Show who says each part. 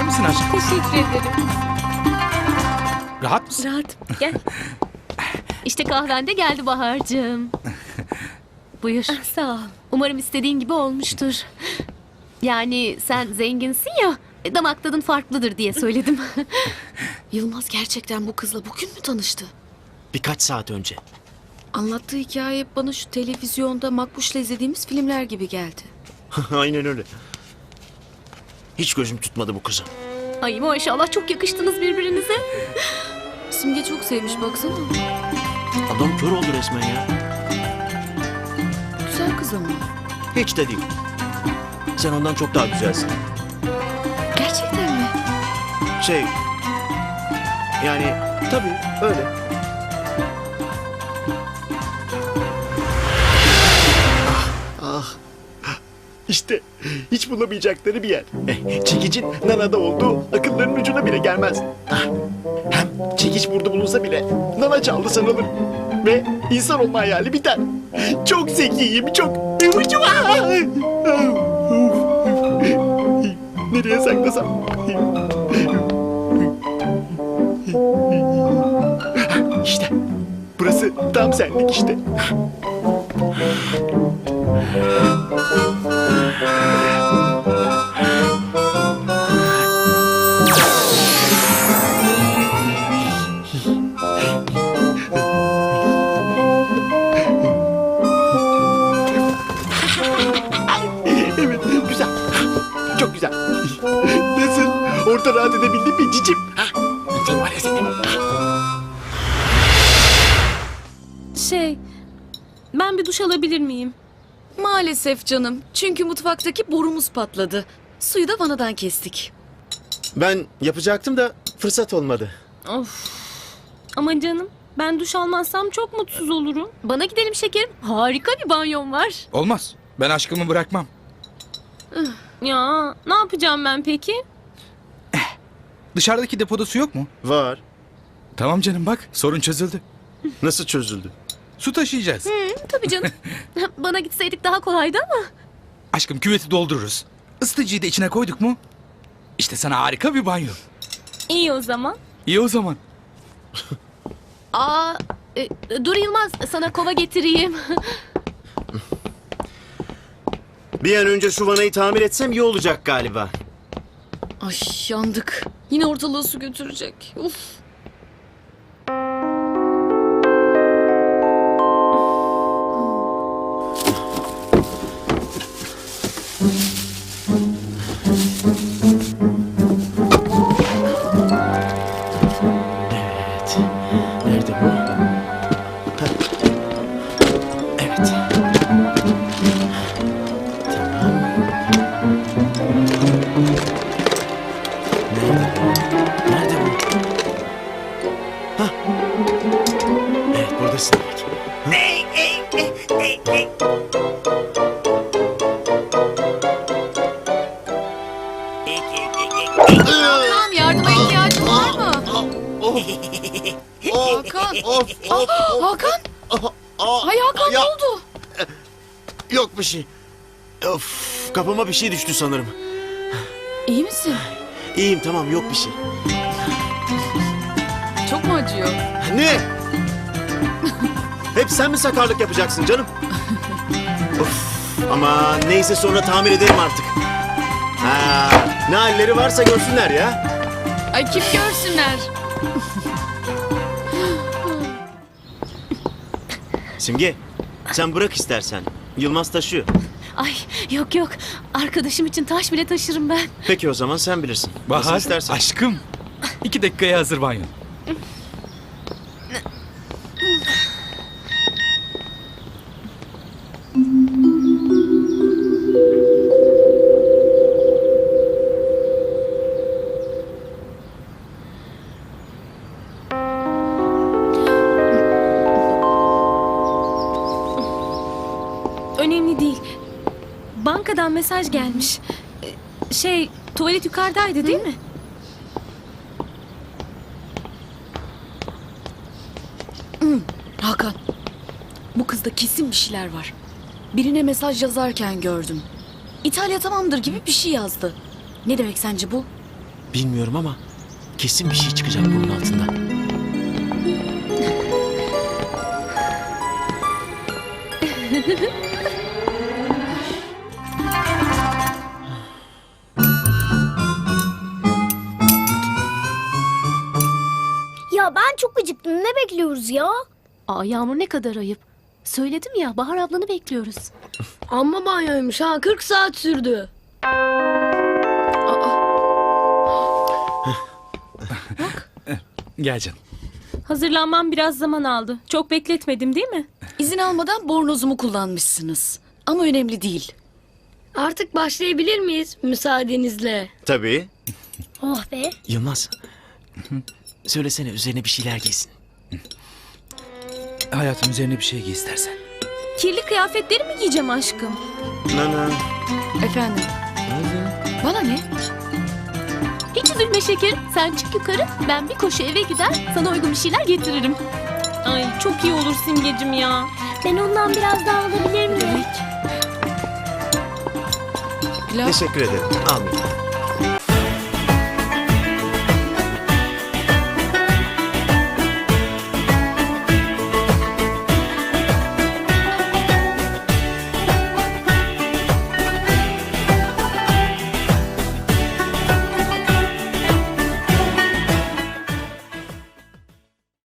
Speaker 1: İster misin aşkım?
Speaker 2: Teşekkür ederim.
Speaker 1: Rahat mısın?
Speaker 2: Rahat. Gel. İşte kahven de geldi Bahar'cığım. Buyur. Sağ ol. Umarım istediğin gibi olmuştur. Yani sen zenginsin ya, damak tadın farklıdır diye söyledim.
Speaker 3: Yılmaz gerçekten bu kızla bugün mü tanıştı?
Speaker 4: Birkaç saat önce.
Speaker 3: Anlattığı hikaye hep bana şu televizyonda Makbuş'la izlediğimiz filmler gibi geldi.
Speaker 4: Aynen öyle. Hiç gözüm tutmadı bu kızı.
Speaker 2: Ay maşallah çok yakıştınız birbirinize.
Speaker 3: Simge çok sevmiş baksana.
Speaker 4: Adam kör oldu resmen ya.
Speaker 3: Güzel kız ama.
Speaker 4: Hiç de değil. Sen ondan çok daha güzelsin.
Speaker 3: Gerçekten mi?
Speaker 4: Yani tabii öyle. İşte hiç bulamayacakları bir yer. Çekicin Nana'da olduğu akıllarının ucuna bile gelmez. Hem çekiç burada bulunsa bile Nana çaldı sanılır. Ve insan olma hayali biter. Çok zekiyim, çok... Nereye saklasam? İşte burası tam senlik işte. Evet, güzel. Çok güzel. Nasıl? Orada rahat edebildin mi cicim? Sen var ya sen.
Speaker 2: Ben bir duş alabilir miyim?
Speaker 3: Maalesef canım. Çünkü mutfaktaki borumuz patladı. Suyu da vanadan kestik.
Speaker 4: Ben yapacaktım da fırsat olmadı.
Speaker 2: Of. Ama canım, ben duş almazsam çok mutsuz olurum. Bana gidelim şekerim. Harika bir banyom var.
Speaker 1: Olmaz. Ben aşkımı bırakmam.
Speaker 2: Ya ne yapacağım ben peki?
Speaker 1: Dışarıdaki depoda su yok mu?
Speaker 4: Var.
Speaker 1: Tamam canım bak sorun çözüldü.
Speaker 4: Nasıl çözüldü?
Speaker 1: Su taşıyacağız.
Speaker 2: Tabii canım. Bana gitseydik daha kolaydı ama.
Speaker 1: Aşkım küveti doldururuz. Isıtıcıyı da içine koyduk mu? İşte sana harika bir banyo.
Speaker 2: İyi o zaman.
Speaker 1: İyi o zaman.
Speaker 2: Dur Yılmaz, sana kova getireyim.
Speaker 4: Bir an önce şu vanayı tamir etsem iyi olacak galiba.
Speaker 3: Ay yandık. Yine ortalığı su götürecek. Uf.
Speaker 4: Evet. Nerede bu? Heh. Evet. Tamam. Nerede bu? Hah. Evet buradasın demek.
Speaker 3: Tamam yardıma ihtiyacın var mı? Hakan. Hakan. Hay Hakan ne
Speaker 4: Ya.
Speaker 3: oldu?
Speaker 4: Yok bir şey. Of, kafama bir şey düştü sanırım.
Speaker 3: İyi misin?
Speaker 4: İyiyim tamam yok bir şey.
Speaker 3: Çok mu acıyor?
Speaker 4: Ne? Hep sen mi sakarlık yapacaksın canım? Of, ama neyse sonra tamir ederim artık. Ha, ne halleri varsa görsünler ya.
Speaker 3: Ay kim görsünler?
Speaker 4: Simge sen bırak istersen. Yılmaz taşıyor.
Speaker 2: Ay yok yok, arkadaşım için taş bile taşırım ben.
Speaker 4: Peki o zaman sen bilirsin. Nasıl
Speaker 1: Bahar
Speaker 4: istersen.
Speaker 1: aşkım. 2 dakikaya hazır banyo.
Speaker 2: Önemli değil. Bankadan mesaj gelmiş. Tuvalet yukarıdaydı değil mi?
Speaker 3: Hakan. Bu kızda kesin bir şeyler var. Birine mesaj yazarken gördüm. İtalya tamamdır gibi bir şey yazdı. Ne demek sence bu?
Speaker 5: Bilmiyorum ama kesin bir şey çıkacak bunun altından.
Speaker 6: Ya ben çok acıktım. Ne bekliyoruz ya?
Speaker 2: Aa Yağmur ne kadar ayıp. Söyledim ya Bahar ablanı bekliyoruz.
Speaker 6: Amma banyoymuş ha. 40 saat sürdü.
Speaker 1: Gel canım.
Speaker 7: Hazırlanmam biraz zaman aldı. Çok bekletmedim değil mi?
Speaker 3: İzin almadan bornozumu kullanmışsınız. Ama önemli değil.
Speaker 6: Artık başlayabilir miyiz müsaadenizle?
Speaker 4: Tabii.
Speaker 6: Oh be.
Speaker 5: Yılmaz. Söylesene üzerine bir şeyler giysin.
Speaker 1: Hayatım üzerine bir şey giy istersen.
Speaker 7: Kirli kıyafetleri mi giyeceğim aşkım?
Speaker 4: Nana.
Speaker 3: Efendim? Bana ne?
Speaker 2: Hiç üzülme şekerim. Sen çık yukarı. Ben bir koşu eve gider. Sana uygun bir şeyler getiririm.
Speaker 7: Ay çok iyi olur Simgecim ya.
Speaker 6: Ben ondan biraz daha alabilir miyim?
Speaker 3: Pilav.
Speaker 4: Teşekkür ederim. Almayayım.